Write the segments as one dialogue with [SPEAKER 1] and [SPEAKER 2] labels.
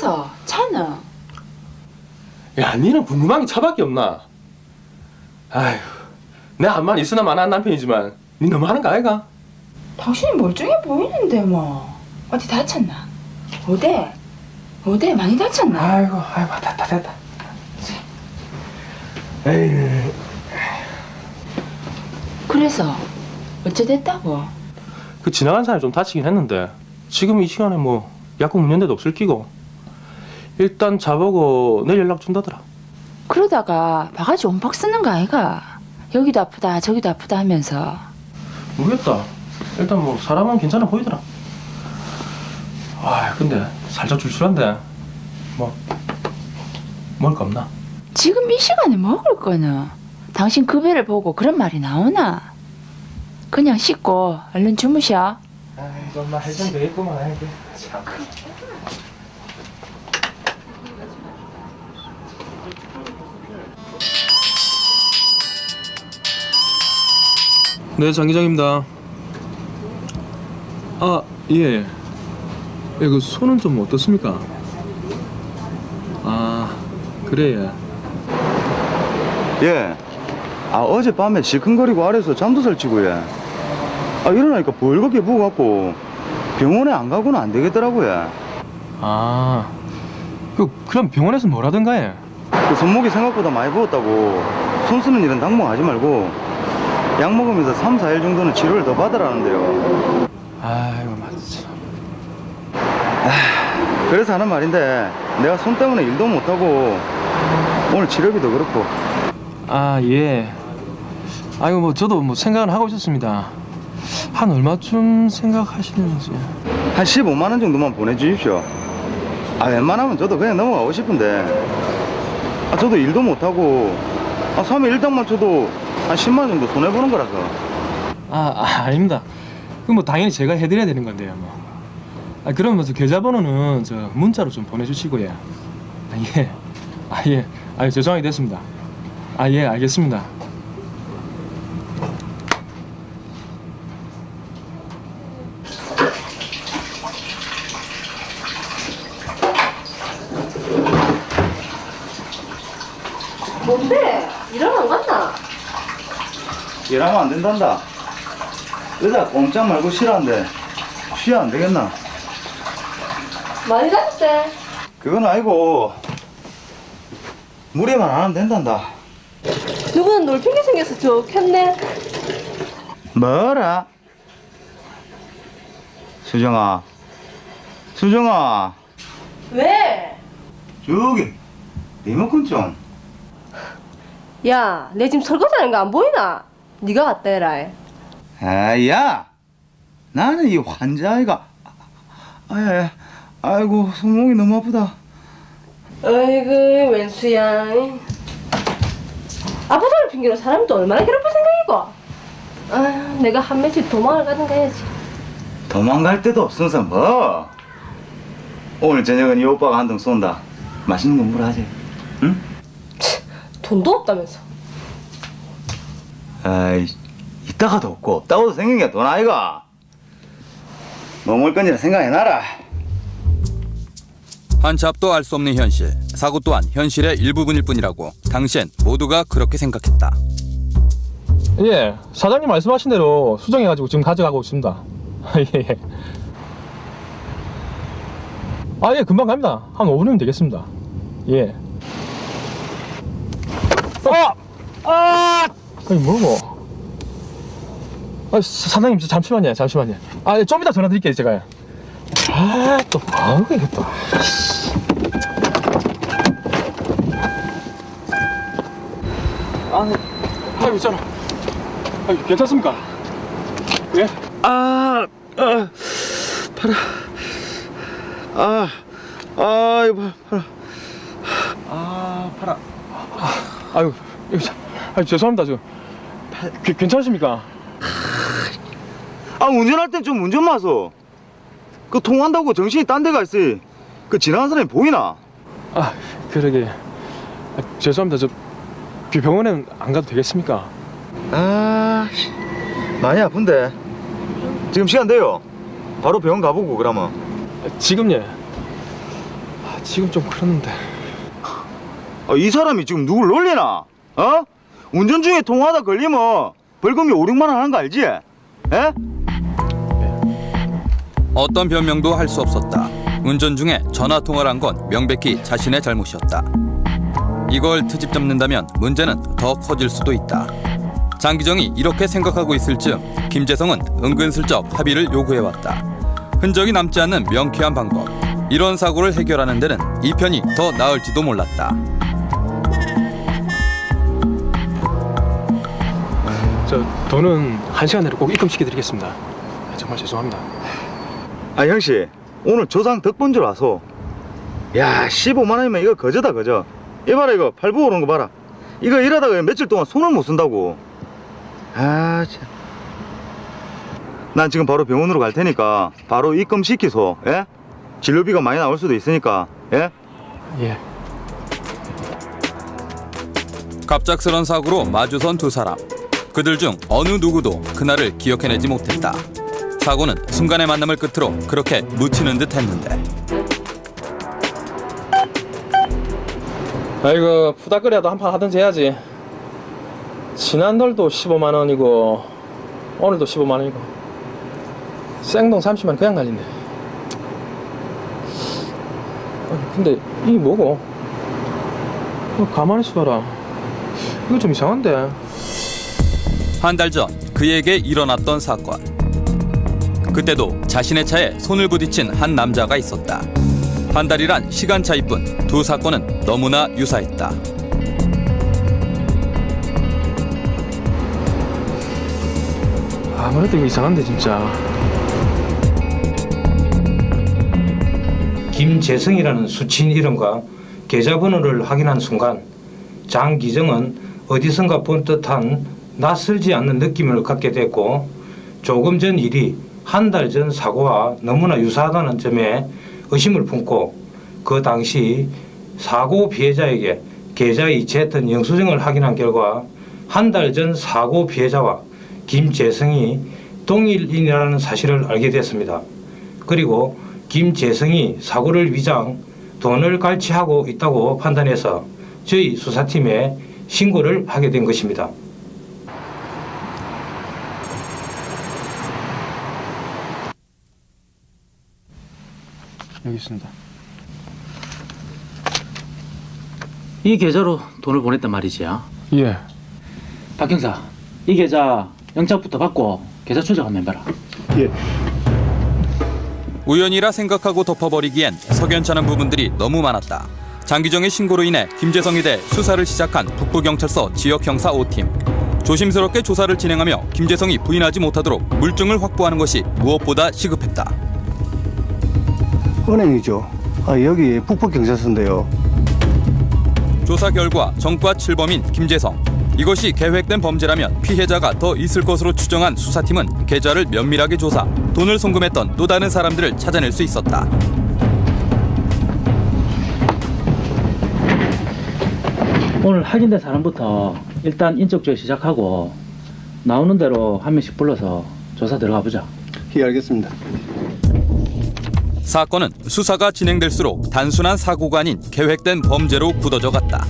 [SPEAKER 1] 그래서 차는?
[SPEAKER 2] 야, 니는 궁금한 게 차밖에 없나? 아휴, 내 암만 있으나 마나한 남편이지만 니 너무 하는 거 아이가?
[SPEAKER 1] 당신이 멀쩡해 보이는데 뭐. 어디 다쳤나? 어디 많이 다쳤나?
[SPEAKER 2] 아이고, 됐다. 에이.
[SPEAKER 1] 그래서 어째 됐다고?
[SPEAKER 2] 그 지나간 사람이 좀 다치긴 했는데 지금 이 시간에 뭐 약국 문 연대도 없을 끼고 일단 자보고 내일 연락 준다더라.
[SPEAKER 1] 그러다가 바가지 온박 쓰는 거 아이가? 여기도 아프다 저기도 아프다 하면서.
[SPEAKER 2] 모르겠다. 일단 뭐 사람은 괜찮아 보이더라. 아, 근데 살짝 출출한데 뭐 먹을 거 없나?
[SPEAKER 1] 지금 이 시간에 먹을 거는 당신 그 배를 보고 그런 말이 나오나? 그냥 씻고 얼른 주무셔.
[SPEAKER 2] 아이고, 엄마 해장 되겠구만. 아이고, 참. 네, 장 기장입니다. 아, 예. 예, 그 손은 좀 어떻습니까? 아, 그래.
[SPEAKER 3] 예. 어젯밤에 시큰거리고 아래서 잠도 설치고 예. 일어나니까 벌겋게 부어갖고 병원에 안 가고는 안 되겠더라고요.
[SPEAKER 2] 아, 그럼 병원에서 뭐라든가 해?
[SPEAKER 3] 그 손목이 생각보다 많이 부었다고 손 쓰는 일은 당분하지 말고 약 먹으면서 3, 4일 정도는 치료를 더 받으라는데요.
[SPEAKER 2] 아이고, 맞지.
[SPEAKER 3] 그래서 하는 말인데 내가 손 때문에 일도 못하고 오늘 치료비도 그렇고.
[SPEAKER 2] 아, 예. 아이고, 뭐 저도 뭐 생각은 하고 있었습니다. 한 얼마쯤 생각하시는지.
[SPEAKER 3] 한 15만 원 정도만 보내주십시오. 웬만하면 저도 그냥 넘어가고 싶은데 저도 일도 못하고 3일 일당만 쳐도 한 10만 원 정도 손해보는 거라서.
[SPEAKER 2] 아닙니다. 그럼 뭐 당연히 제가 해드려야 되는 건데요, 뭐. 그러면 저 계좌번호는 저 문자로 좀 보내주시고요. 예. 죄송하게 됐습니다. 예, 알겠습니다.
[SPEAKER 4] 뭔데? 일하러 안 갔나?
[SPEAKER 3] 일하면 안 된단다. 의사 꼼짝 말고 쉬라는데 쉬야 안 되겠나?
[SPEAKER 4] 많이 다쳤대.
[SPEAKER 3] 그건 아니고 무리만 안 하면 된단다.
[SPEAKER 4] 누구는 놀핑계 생겨서 좋겠네.
[SPEAKER 3] 뭐라? 수정아
[SPEAKER 4] 왜?
[SPEAKER 3] 저기 리모컨 좀.
[SPEAKER 4] 야, 내 지금 설거지하는 거 안 보이나? 네가 갔다 해라.
[SPEAKER 3] 야 나는 이 환자아이가 아이고 손목이 너무 아프다.
[SPEAKER 4] 어이구, 웬수야. 아프다를 핑계로 사람이 또 얼마나 괴롭힐 생각이고. 아휴, 내가 한 며칠 도망을 가든가 해야지.
[SPEAKER 3] 도망갈 데도 없으면서 뭐. 오늘 저녁은 이 오빠가 한 통 쏜다. 맛있는 거 물어하지. 응?
[SPEAKER 4] 돈도 없다면서.
[SPEAKER 3] 아이, 있다가도 없고 없다고도 생긴 게 돈 아이가. 뭐 먹을 건지라 생각해놔라.
[SPEAKER 5] 한 잡도 알 수 없는 현실. 사고 또한 현실의 일부분일 뿐이라고 당시엔 모두가 그렇게 생각했다.
[SPEAKER 2] 예, 사장님 말씀하신 대로 수정해가지고 지금 가져가고 있습니다. 예. 예, 금방 갑니다. 한 5분이면 되겠습니다. 예. 아니, 뭐고? 사장님, 잠시만요. 좀 이따 전화 드릴게요, 제가. 또 뭐하고 이게 또. 있잖아. 괜찮습니까? 예?
[SPEAKER 3] 이거 봐라.
[SPEAKER 2] 팔아. 아유, 죄송합니다, 지금. 괜찮으십니까?
[SPEAKER 3] 운전할 땐 좀 운전 마소. 그 통한다고 정신이 딴 데 가 있어. 그 지나가는 사람이 보이나?
[SPEAKER 2] 그러게. 죄송합니다. 저 병원에 안 가도 되겠습니까?
[SPEAKER 3] 많이 아픈데. 지금 시간 돼요. 바로 병원 가보고 그러면.
[SPEAKER 2] 지금 지금 좀 그러는데.
[SPEAKER 3] 이 사람이 지금 누굴 놀리나? 어? 운전 중에 통화하다 걸리면 벌금이 5, 6만 원 하는 거 알지? 에?
[SPEAKER 5] 어떤 변명도 할 수 없었다. 운전 중에 전화 통화를 한 건 명백히 자신의 잘못이었다. 이걸 트집 잡는다면 문제는 더 커질 수도 있다. 장기정이 이렇게 생각하고 있을 즈음 김재성은 은근슬쩍 합의를 요구해왔다. 흔적이 남지 않는 명쾌한 방법. 이런 사고를 해결하는 데는 이 편이 더 나을지도 몰랐다.
[SPEAKER 2] 저 돈은 1시간 내로 꼭 입금시켜드리겠습니다. 정말 죄송합니다.
[SPEAKER 3] 형씨, 오늘 조상 덕분 줄 와서. 야, 15만 원이면 이거 거저다, 거저. 이봐라, 이거 팔부 오는 거 봐라. 이거 일하다가 며칠 동안 손을 못 쓴다고. 참. 난 지금 바로 병원으로 갈 테니까 바로 입금시키소. 예? 진료비가 많이 나올 수도 있으니까. 예?
[SPEAKER 2] 예.
[SPEAKER 5] 갑작스런 사고로 마주선 두 사람. 그들 중 어느 누구도 그날을 기억해내지 못했다. 사고는 순간의 만남을 끝으로 그렇게 묻히는 듯 했는데.
[SPEAKER 2] 아이고, 푸다거리라도 한 판 하든지 해야지. 지난달도 15만 원이고 오늘도 15만 원이고 생동 30만 원 그냥 날린대. 아니, 근데 이게 뭐고? 가만히 있어봐라. 이거 좀 이상한데.
[SPEAKER 5] 한 달 전 그에게 일어났던 사건. 그때도 자신의 차에 손을 부딪힌 한 남자가 있었다. 한 달이란 시간 차이뿐 두 사건은 너무나 유사했다.
[SPEAKER 2] 아무래도 이거 이상한데 진짜.
[SPEAKER 6] 김재성이라는 수치인 이름과 계좌번호를 확인한 순간 장기정은 어디선가 본 듯한 낯설지 않는 느낌을 갖게 됐고, 조금 전 일이 한 달 전 사고와 너무나 유사하다는 점에 의심을 품고 그 당시 사고 피해자에게 계좌에 이체했던 영수증을 확인한 결과 한 달 전 사고 피해자와 김재성이 동일인이라는 사실을 알게 됐습니다. 그리고 김재성이 사고를 위장, 돈을 갈취하고 있다고 판단해서 저희 수사팀에 신고를 하게 된 것입니다.
[SPEAKER 2] 여기 있습니다.
[SPEAKER 7] 이 계좌로 돈을 보냈단 말이지.
[SPEAKER 2] 예.
[SPEAKER 7] 박 형사, 이 계좌 영장부터 받고 계좌 추적 한번 해봐라.
[SPEAKER 2] 예.
[SPEAKER 5] 우연이라 생각하고 덮어버리기엔 석연찮은 부분들이 너무 많았다. 장기정의 신고로 인해 김재성에 대해 수사를 시작한 북부경찰서 지역형사 5팀. 조심스럽게 조사를 진행하며 김재성이 부인하지 못하도록 물증을 확보하는 것이 무엇보다 시급했다.
[SPEAKER 8] 은행이죠. 여기 북부경찰서인데요.
[SPEAKER 5] 조사 결과 정과 7범인 김재성. 이것이 계획된 범죄라면 피해자가 더 있을 것으로 추정한 수사팀은 계좌를 면밀하게 조사, 돈을 송금했던 또 다른 사람들을 찾아낼 수 있었다.
[SPEAKER 7] 오늘 확인된 사람부터 일단 인적조회 시작하고 나오는 대로 한 명씩 불러서 조사 들어가 보자.
[SPEAKER 8] 예, 알겠습니다.
[SPEAKER 5] 사건은 수사가 진행될수록 단순한 사고가 아닌 계획된 범죄로 굳어져 갔다.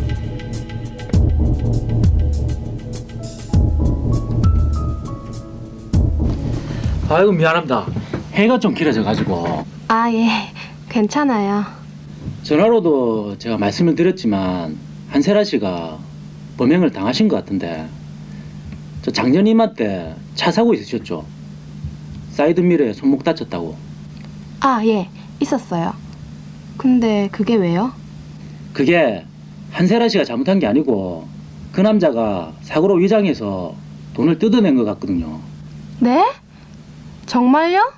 [SPEAKER 7] 아이고 미안합니다. 해가 좀 길어져가지고
[SPEAKER 4] 아, 예. 괜찮아요.
[SPEAKER 7] 전화로도 제가 말씀을 드렸지만 한세라 씨가 범행을 당하신 것 같은데, 저 작년 이맘때 차 사고 있으셨죠? 사이드미러에 손목 다쳤다고.
[SPEAKER 4] 아, 예. 있었어요. 근데 그게 왜요?
[SPEAKER 7] 그게 한세라 씨가 잘못한 게 아니고 그 남자가 사고로 위장해서 돈을 뜯어낸 것 같거든요.
[SPEAKER 4] 네? 정말요?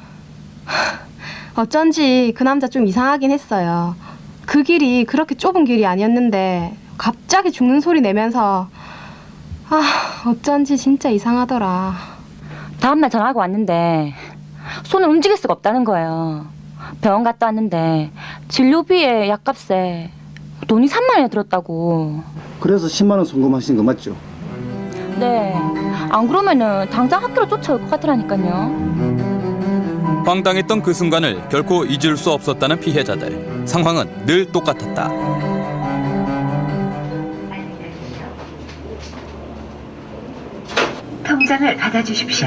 [SPEAKER 4] 어쩐지 그 남자 좀 이상하긴 했어요. 그 길이 그렇게 좁은 길이 아니었는데 갑자기 죽는 소리 내면서 어쩐지 진짜 이상하더라.
[SPEAKER 9] 다음날 전화가 왔는데 손을 움직일 수가 없다는 거예요. 병원 갔다 왔는데 진료비에 약값에 돈이 3만 원이 들었다고.
[SPEAKER 8] 그래서 10만 원 송금하신 거 맞죠?
[SPEAKER 9] 네. 안 그러면은 당장 학교로 쫓아올 것 같으라니까요.
[SPEAKER 5] 황당했던 그 순간을 결코 잊을 수 없었다는 피해자들. 상황은 늘 똑같았다.
[SPEAKER 10] 통장을 받아주십시오.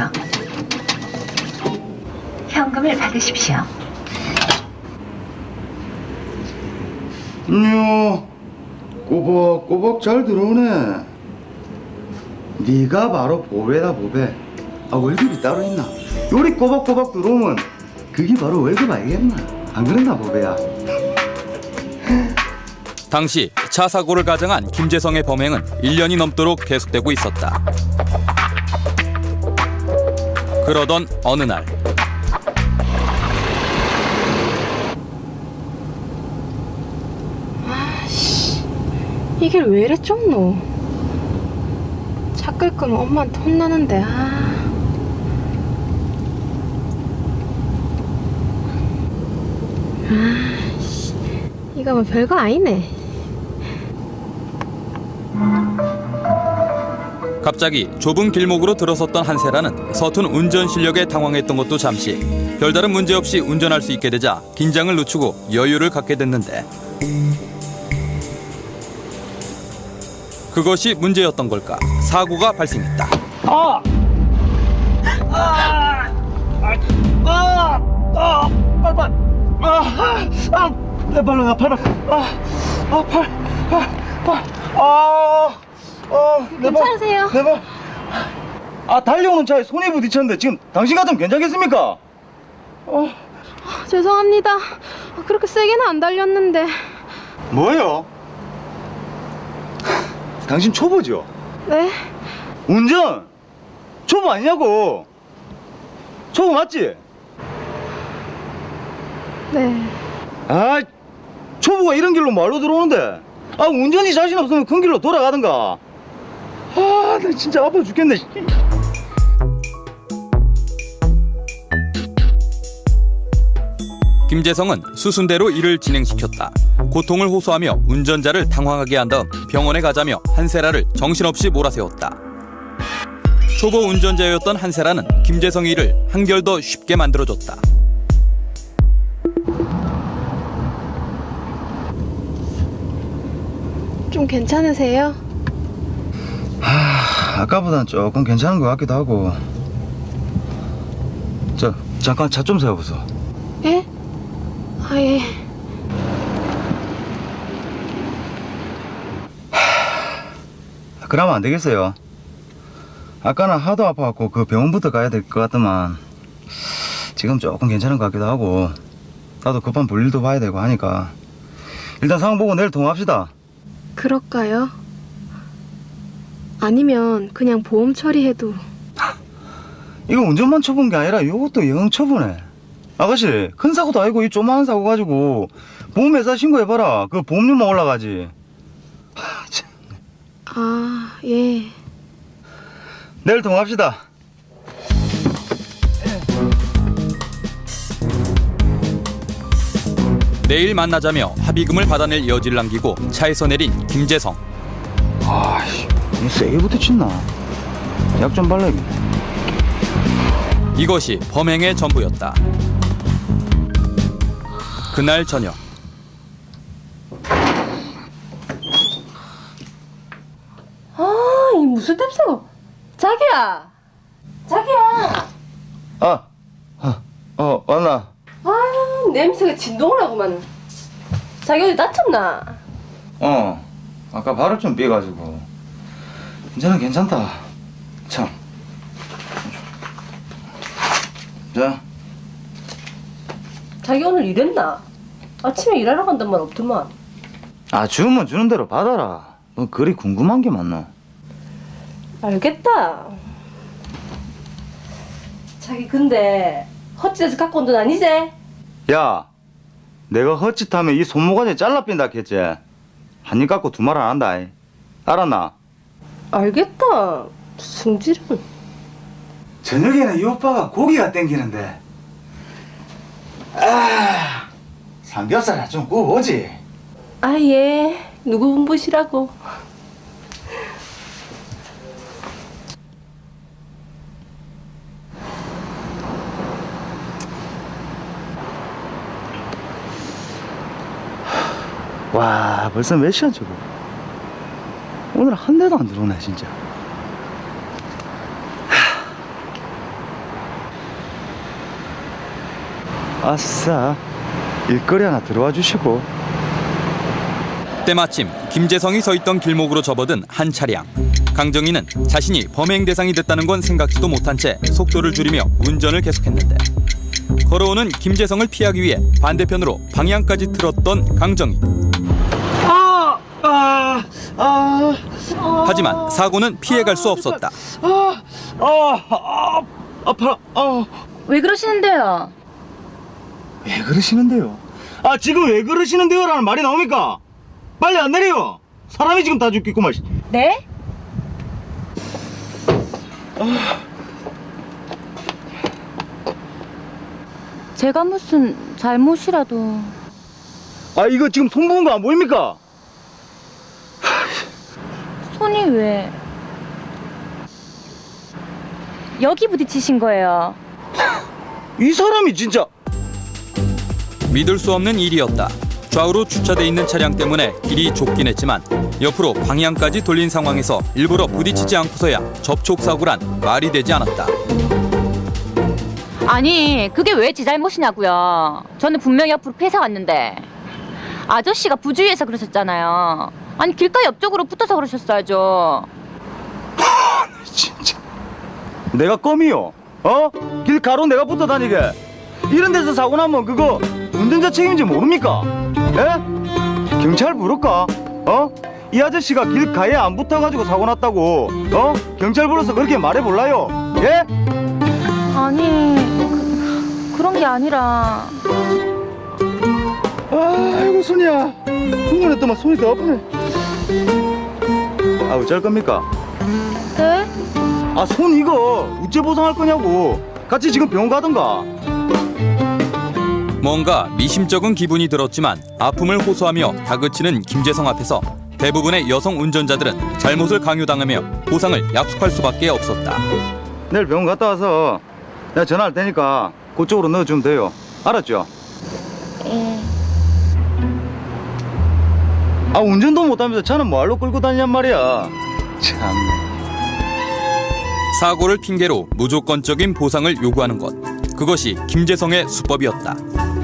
[SPEAKER 10] 현금을 받으십시오.
[SPEAKER 3] 이야, 꼬박꼬박 잘 들어오네. 네가 바로 보배다, 보배. 아, 월급이 따로 있나? 요리 꼬박꼬박 들어오면 그게 바로 월급 아니겠나? 안 그랬나, 보배야?
[SPEAKER 5] 당시 차 사고를 가정한 김재성의 범행은 1년이 넘도록 계속되고 있었다. 그러던 어느 날
[SPEAKER 4] 이 길 왜 이래 좁노? 차 끌 거면 엄마한테 혼나는데. 이거 뭐 별거 아니네.
[SPEAKER 5] 갑자기 좁은 길목으로 들어섰던 한세라는 서툰 운전 실력에 당황했던 것도 잠시, 별다른 문제 없이 운전할 수 있게 되자 긴장을 늦추고 여유를 갖게 됐는데, 그것이 문제였던 걸까? 사고가 발생했다.
[SPEAKER 3] 내 발로 나 팔아.
[SPEAKER 4] 괜찮으세요?
[SPEAKER 3] 내 발. 달려오는 차에 손이 부딪혔는데 지금 당신 같으면 괜찮겠습니까?
[SPEAKER 4] 죄송합니다. 그렇게 세게는 안 달렸는데.
[SPEAKER 3] 뭐요? 당신 초보죠?
[SPEAKER 4] 네?
[SPEAKER 3] 운전 초보 아니냐고. 초보 맞지?
[SPEAKER 4] 네.
[SPEAKER 3] 초보가 이런 길로 말로 들어오는데 운전이 자신 없으면 큰 길로 돌아가든가. 나 진짜 아파 죽겠네.
[SPEAKER 5] 김재성은 수순대로 일을 진행시켰다. 고통을 호소하며 운전자를 당황하게 한 다음 병원에 가자며 한세라를 정신없이 몰아세웠다. 초보 운전자였던 한세라는 김재성의 일을 한결 더 쉽게 만들어줬다.
[SPEAKER 4] 좀 괜찮으세요?
[SPEAKER 3] 아까보단 조금 괜찮은 것 같기도 하고. 잠깐 차 좀 세워보소.
[SPEAKER 4] 예? 예.
[SPEAKER 3] 그러면 안 되겠어요. 아까는 하도 아파갖고 그 병원부터 가야 될 것 같더만 지금 조금 괜찮은 것 같기도 하고, 나도 급한 볼일도 봐야 되고 하니까 일단 상황 보고 내일 통화합시다.
[SPEAKER 4] 그럴까요? 아니면 그냥 보험 처리해도.
[SPEAKER 3] 이거 운전만 쳐본 게 아니라 이것도 영 쳐보네. 아가씨, 큰 사고도 아니고 이 조그마한 사고 가지고 보험회사 신고해봐라. 그 보험료만 올라가지.
[SPEAKER 4] 예.
[SPEAKER 3] 내일 통화합시다.
[SPEAKER 5] 내일 만나자며 합의금을 받아낼 여지를 남기고 차에서 내린 김재성.
[SPEAKER 3] 세게 부딪혔나? 약 좀 발라야겠네.
[SPEAKER 5] 이것이 범행의 전부였다. 그날 저녁,
[SPEAKER 11] 이 무슨 냄새가? 자기야!
[SPEAKER 3] 왔나?
[SPEAKER 11] 냄새가 진동을 하고만. 자기 어디 다쳤나?
[SPEAKER 3] 아까 발을 좀 삐가지고. 이제는 괜찮다. 참. 자.
[SPEAKER 11] 자기 오늘 일했나? 아침에 일하러 간단 말 없더만.
[SPEAKER 3] 주면 주는 대로 받아라. 너 그리 궁금한 게 많나?
[SPEAKER 11] 알겠다. 자기 근데 헛짓에서 갖고 온 돈 아니지?
[SPEAKER 3] 야, 내가 헛짓하면 이 손모가지 잘라 빈다 했지? 한 입 갖고 두 말 안 한다. 알았나?
[SPEAKER 11] 알겠다. 승질은.
[SPEAKER 3] 저녁에는 이 오빠가 고기가 땡기는데. 삼겹살 좀 구워오지.
[SPEAKER 11] 예. 누구 분부시라고.
[SPEAKER 3] 와, 벌써 몇 시간 저거. 오늘 한 대도 안 들어오네, 진짜. 아싸, 일거리 하나 들어와 주시고.
[SPEAKER 5] 때마침 김재성이 서 있던 길목으로 접어든 한 차량. 강정희는 자신이 범행 대상이 됐다는 건 생각지도 못한 채 속도를 줄이며 운전을 계속했는데 걸어오는 김재성을 피하기 위해 반대편으로 방향까지 틀었던 강정희. 하지만 사고는 피해갈 수 없었다.
[SPEAKER 3] 아파라.
[SPEAKER 9] 왜 그러시는데요?
[SPEAKER 3] 왜 그러시는데요? 지금 왜 그러시는데요? 라는 말이 나옵니까? 빨리 안 내려요. 사람이 지금 다 죽겠구만.
[SPEAKER 9] 네? 제가 무슨 잘못이라도.
[SPEAKER 3] 이거 지금 손 부은 거 안 보입니까?
[SPEAKER 9] 손이 왜 여기 부딪히신 거예요?
[SPEAKER 3] 이 사람이 진짜.
[SPEAKER 5] 믿을 수 없는 일이었다. 좌우로 주차돼 있는 차량 때문에 길이 좁긴 했지만 옆으로 방향까지 돌린 상황에서 일부러 부딪히지 않고서야 접촉사고란 말이 되지 않았다.
[SPEAKER 9] 아니 그게 왜 제 잘못이냐고요. 저는 분명히 옆으로 피해서 왔는데 아저씨가 부주의해서 그러셨잖아요. 아니 길가 옆쪽으로 붙어서 그러셨어야죠.
[SPEAKER 3] 진짜. 내가 껌이요? 길 가로 내가 붙어 다니게. 이런 데서 사고 나면 그거 운전자 책임인지 모릅니까? 예? 경찰 부를까? 이 아저씨가 길 가에 안 붙어가지고 사고 났다고 경찰 불러서 그렇게 말해볼라요? 예?
[SPEAKER 9] 아니 그런 게 아니라.
[SPEAKER 3] 아이고 손이야. 흥분했더만 손이 더 아프네. 어쩔 겁니까?
[SPEAKER 9] 네?
[SPEAKER 3] 손 이거 우째 보상할 거냐고. 같이 지금 병원 가던가.
[SPEAKER 5] 뭔가 미심쩍은 기분이 들었지만 아픔을 호소하며 다그치는 김재성 앞에서 대부분의 여성 운전자들은 잘못을 강요당하며 보상을 약속할 수밖에 없었다.
[SPEAKER 3] 내일 병원 갔다 와서 내가 전화할 테니까 그쪽으로 넣어주면 돼요. 알았죠?
[SPEAKER 9] 예.
[SPEAKER 3] 운전도 못하면서 차는 뭐하러 끌고 다니냔 말이야. 참.
[SPEAKER 5] 사고를 핑계로 무조건적인 보상을 요구하는 것. 그것이 김재성의 수법이었다.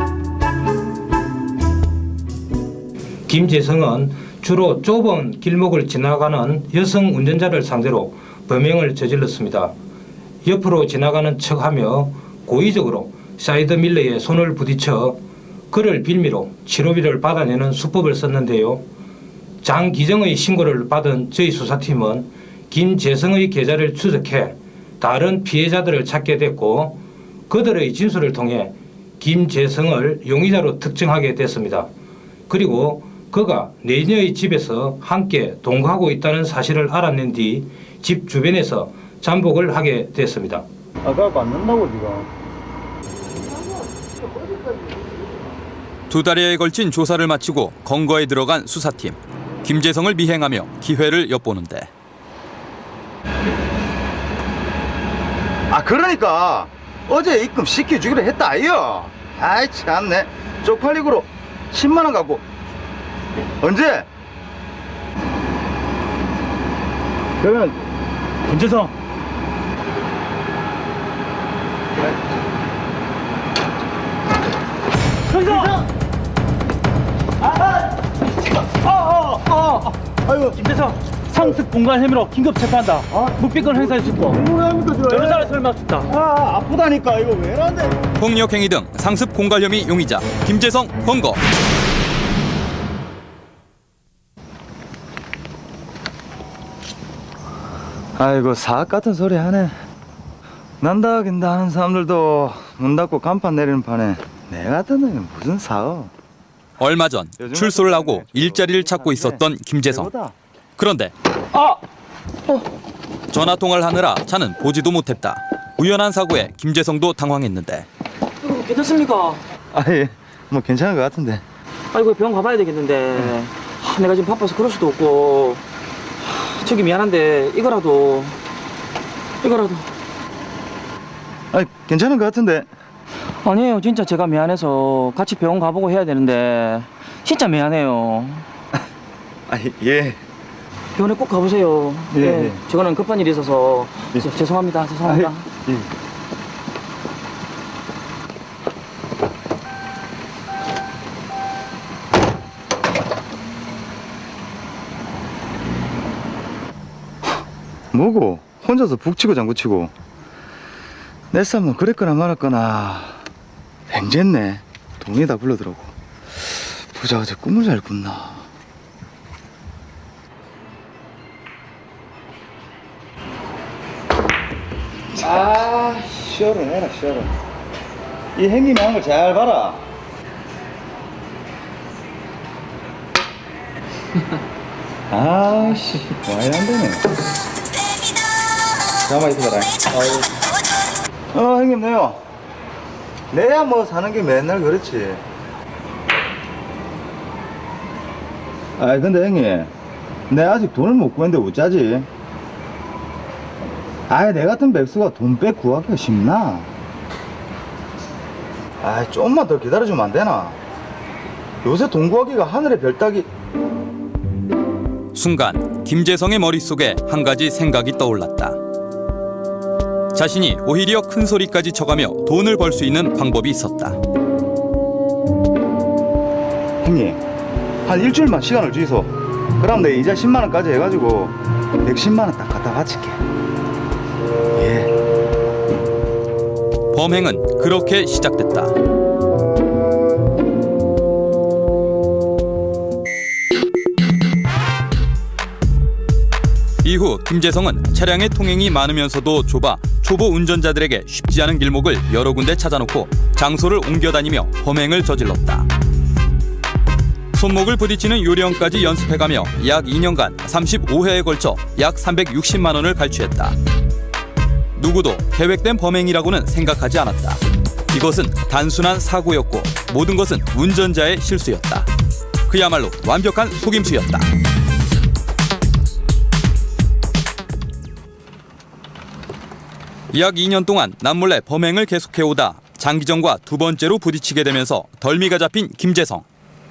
[SPEAKER 6] 김재성은 주로 좁은 길목을 지나가는 여성 운전자를 상대로 범행을 저질렀습니다. 옆으로 지나가는 척하며 고의적으로 사이드밀러에 손을 부딪혀 그를 빌미로 치료비를 받아내는 수법을 썼는데요. 장기정의 신고를 받은 저희 수사팀은 김재성의 계좌를 추적해 다른 피해자들을 찾게 됐고 그들의 진술을 통해 김재성을 용의자로 특정하게 됐습니다. 그리고 그가 내녀의 집에서 함께 동거하고 있다는 사실을 알아낸 뒤 집 주변에서 잠복을 하게 됐습니다.
[SPEAKER 3] 아까 안 된다고 지금.
[SPEAKER 5] 2달여에 걸친 조사를 마치고 검거에 들어간 수사팀. 김재성을 미행하며 기회를 엿보는데
[SPEAKER 3] 그러니까 어제 입금 시켜주기로 했다 아이요. 아이 참네. 쪽팔리고로 10만 원 갖고 언제? 그러면 김재성
[SPEAKER 7] 아이고 김대성 상습 공간 혐의로 긴급 체포한다. 묵비권 행사해 주고 여러 사람 설명했다.
[SPEAKER 3] 아프다니까 이거 왜 이러는데.
[SPEAKER 5] 폭력행위 등 상습 공갈 혐의 용의자 김재성 검거.
[SPEAKER 3] 아이고 사악 같은 소리 하네. 난다 긴다 하는 사람들도 문 닫고 간판 내리는 판에 내 같은 놈이 무슨 사업.
[SPEAKER 5] 얼마 전 출소를 하고 일자리를 찾고 있었던 김재성. 그런데 전화통화를 하느라 차는 보지도 못했다. 우연한 사고에 김재성도 당황했는데.
[SPEAKER 7] 괜찮습니까?
[SPEAKER 3] 예. 뭐 괜찮은 것 같은데.
[SPEAKER 7] 아이고 병원 가봐야 되겠는데 내가 지금 바빠서 그럴 수도 없고 저기 미안한데 이거라도
[SPEAKER 3] 괜찮은 것 같은데.
[SPEAKER 7] 아니에요 진짜 제가 미안해서 같이 병원 가보고 해야 되는데 진짜 미안해요.
[SPEAKER 3] 예.
[SPEAKER 7] 병원에 꼭 가보세요.
[SPEAKER 3] 예.
[SPEAKER 7] 저거는 급한 일이 있어서
[SPEAKER 3] 예.
[SPEAKER 7] 죄송합니다. 죄송합니다.
[SPEAKER 3] 예. 뭐고? 혼자서 북치고 장구치고. 내 쌈은 그랬거나 말았거나 뱅졌네. 동네 다 불러들어오고. 부자가 저 꿈을 잘 꾼나. 시원해라 시원해. 이 행님이 한 걸 잘 봐라. 아씨 와야 안 되네. 가만히 있어라. 형님 네요. 내야 뭐 사는 게 맨날 그렇지. 근데 형님, 내 아직 돈을 못 구했는데 어쩌지? 내 같은 백수가 돈 빼 구하기가 쉽나? 좀만 더 기다려주면 안 되나? 요새 돈 구하기가 하늘의 별 따기.
[SPEAKER 5] 순간 김재성의 머릿속에 한 가지 생각이 떠올랐다. 자신이 오히려 큰 소리까지 쳐가며 돈을 벌 수 있는 방법이 있었다.
[SPEAKER 3] 형님, 한 일주일만 시간을 주이소. 그럼 내 이자 10만 원까지 해가지고 110만 원 딱 갖다 바칠게. 예.
[SPEAKER 5] 범행은 그렇게 시작됐다. 이후 김재성은 차량의 통행이 많으면서도 좁아 초보 운전자들에게 쉽지 않은 길목을 여러 군데 찾아놓고 장소를 옮겨다니며 범행을 저질렀다. 손목을 부딪히는 요령까지 연습해가며 약 2년간 35회에 걸쳐 약 360만 원을 갈취했다. 누구도 계획된 범행이라고는 생각하지 않았다. 이것은 단순한 사고였고 모든 것은 운전자의 실수였다. 그야말로 완벽한 속임수였다. 약 2년 동안 남몰래 범행을 계속해오다 장기정과 두 번째로 부딪히게 되면서 덜미가 잡힌 김재성.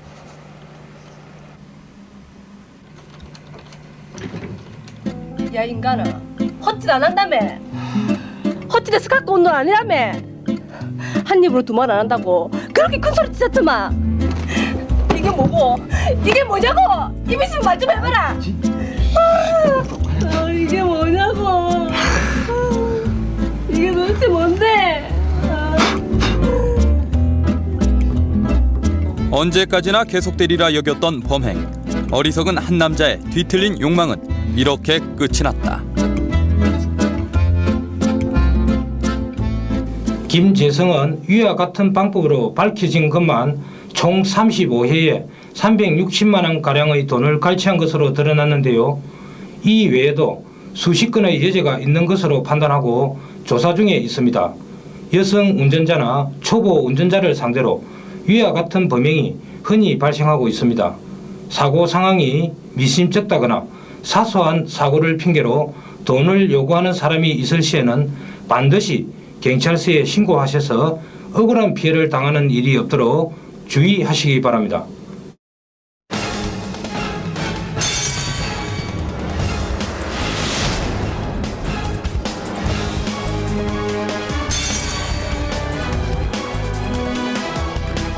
[SPEAKER 11] 야 인간아, 헛짓 안 한다며. 헛짓에서 갖고 온 돈 아니라며. 한 입으로 두 말 안 한다고 그렇게 큰 소리 치셨더만. 이게 뭐고? 이게 뭐냐고? 입 있으면 말 좀 해봐라. 이게 뭐냐고? 이게 도대체 뭔데?
[SPEAKER 5] 언제까지나 계속되리라 여겼던 범행. 어리석은 한 남자의 뒤틀린 욕망은 이렇게 끝이 났다.
[SPEAKER 6] 김재성은 위와 같은 방법으로 밝혀진 것만 총 35회에 360만 원가량의 돈을 갈취한 것으로 드러났는데요. 이 외에도 수십 건의 여죄가 있는 것으로 판단하고 조사 중에 있습니다. 여성 운전자나 초보 운전자를 상대로 위와 같은 범행이 흔히 발생하고 있습니다. 사고 상황이 미심쩍다거나 사소한 사고를 핑계로 돈을 요구하는 사람이 있을 시에는 반드시 경찰서에 신고하셔서 억울한 피해를 당하는 일이 없도록 주의하시기 바랍니다.